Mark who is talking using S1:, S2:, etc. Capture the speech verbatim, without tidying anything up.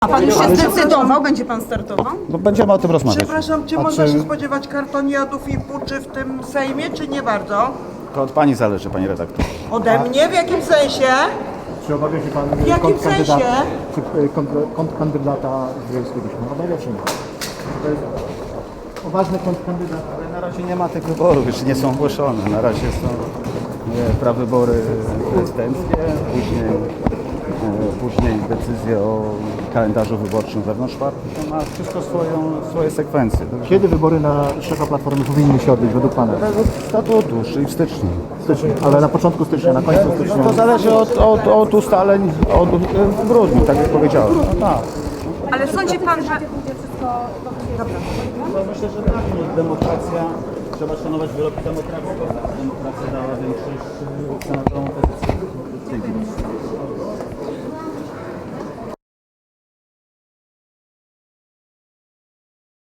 S1: A pan już się zdecydował? Będzie pan startował?
S2: No będziemy o tym rozmawiać.
S3: Przepraszam, czy
S2: A
S3: można
S2: czy-
S3: się spodziewać kartoniadów i puczy w tym Sejmie, czy nie bardzo?
S2: To od pani zależy, pani redaktor.
S3: Ode mnie? W jakim sensie?
S4: Czy obawia się pan
S3: W jakim
S4: kontrkandydata,
S3: sensie?
S4: czy y, kontr- kontrkandydata Związkowicza? Obawia się nie. To jest poważny kontrkandydat.
S2: Ale na razie nie ma tych wyborów, jeszcze nie są ogłoszone. Na razie są e, prawybory prezydenckie, później, e, później decyzje o kalendarzu wyborczym wewnątrz partii. To ma wszystko swoją, swoje sekwencje. Także
S4: Kiedy wybory na szefa Platformy powinny się odbyć według pana?
S2: według statutu, czyli w styczniu.
S4: Stycznia, ale na początku stycznia, na końcu stycznia.
S2: No to zależy od, od, od ustaleń od, w grudniu, tak jak powiedziałem. No tak.
S1: Ale sądzi pan, że...
S2: No myślę, że tak, no, demokracja, trzeba szanować wyroki demokracji. Demokracja dała większość senatorom opozycji.